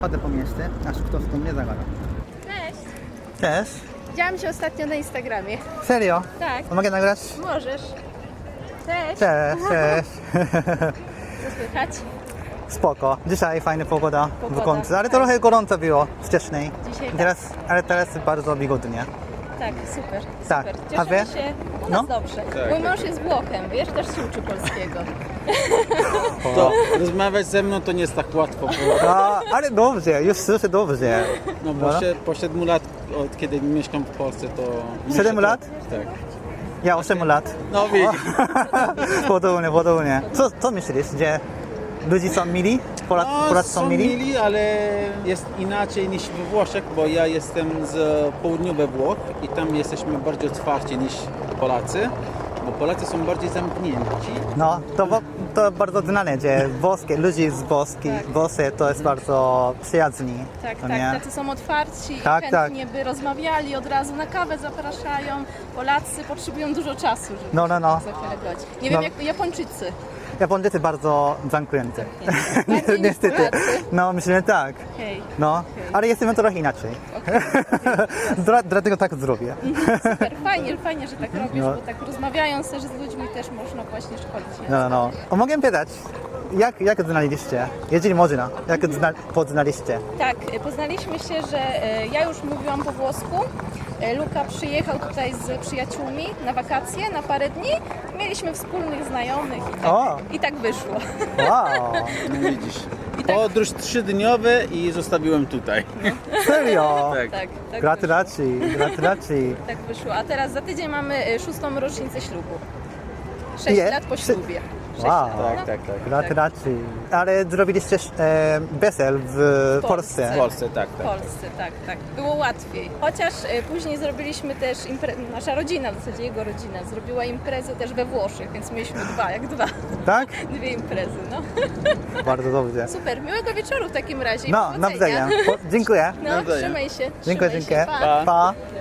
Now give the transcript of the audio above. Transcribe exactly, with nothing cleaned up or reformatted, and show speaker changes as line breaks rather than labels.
Chodzę po mieście, aż ktoś do mnie zagada.
Cześć!
Cześć.
Widziałam cię ostatnio na Instagramie.
Serio?
Tak.
To mogę nagrać?
Możesz. Cześć!
Cześć, cześć.
Co słychać?
Spoko. Dzisiaj fajna pogoda,
Pogoda,
w końcu, ale
tak.
trochę gorąco było wcześniej.
Dzisiaj tak.
Teraz, ale teraz bardzo wygodnie.
Tak, super.
Tak.
super.
A wy?
Cieszymy się. U
No.
nas dobrze. Mój mąż jest Włochem, wiesz, też się uczy polskiego.
To rozmawiać ze mną to nie jest tak łatwo było.
A, ale dobrze, już słyszę dobrze.
No bo się, po siedmiu lat, od kiedy mieszkam w Polsce, to... muszę
Siedem
to-
lat?
Tak.
Ja osiem lat.
No widzisz.
Podobnie, podobnie. Co, co myślisz, że ludzie są mili? Polacy,
No,
Polacy są
są
mili?
mili, ale jest inaczej niż we Włoszech, bo ja jestem z południowych Włoch i tam jesteśmy bardziej otwarci niż Polacy, bo Polacy są bardziej zamknięci.
No, to, bo- to bardzo znane, że włoskie, ludzie z Włoski,
Tak.
Włosy to jest bardzo przyjazni.
Tak,
to
tak,
nie?
tacy są otwarci
Tak,
i
tak.
chętnie by rozmawiali, od razu na kawę zapraszają. Polacy potrzebują dużo czasu, żeby
No, no, no.
zachęcać. Nie
No.
wiem jak Japończycy.
Japończycy bardzo zamknięty.
Bardziej niż
Niestety.
Polacy?
No, myślę, że tak.
Hej.
No, ale jesteśmy trochę inaczej. Dla, dlatego tak zrobię.
Super, fajnie, fajnie, że tak robisz,
No.
bo tak rozmawiając też z ludźmi też można właśnie szkolić.
No, no. O, mogę pytać, jak, jak znaleźliście? Jeżeli można, jak zna, poznaliście?
Tak, e, poznaliśmy się, że e, ja już mówiłam po włosku. E, Luka przyjechał tutaj z przyjaciółmi na wakacje, na parę dni. Mieliśmy wspólnych znajomych i
O.
tak, i tak wyszło.
Wow,
No widzisz.
I tak-
Podróż trzydniowy i zostawiłem tutaj.
serio?
Tak.
Tak, tak
Gratulacje, gratulacje.
Wyszło, tak wyszło. A teraz za tydzień mamy e, szóstą rocznicę ślubu. Sześć
Ile?
lat po
Sze-
ślubie. Sześć
Wow.
lat,
Tak,
no.
tak, tak.
Gratulacje. Ale zrobiliście e, wesel w
W
Polsce.
W Polsce, tak,
W
tak.
Polsce, tak, tak. Było łatwiej. Chociaż e, później zrobiliśmy też imprezę, nasza rodzina, w zasadzie jego rodzina, zrobiła imprezę też we Włoszech, więc mieliśmy dwa, jak dwa.
Tak?
Dwie imprezy, no.
Bardzo dobrze.
Super, miłego wieczoru w takim razie. i
No,
powodzenia.
nawzajem. Po, dziękuję.
No,
Nawzajem.
trzymaj się.
Dziękuję,
trzymaj się.
dziękuję.
Pa.
Pa.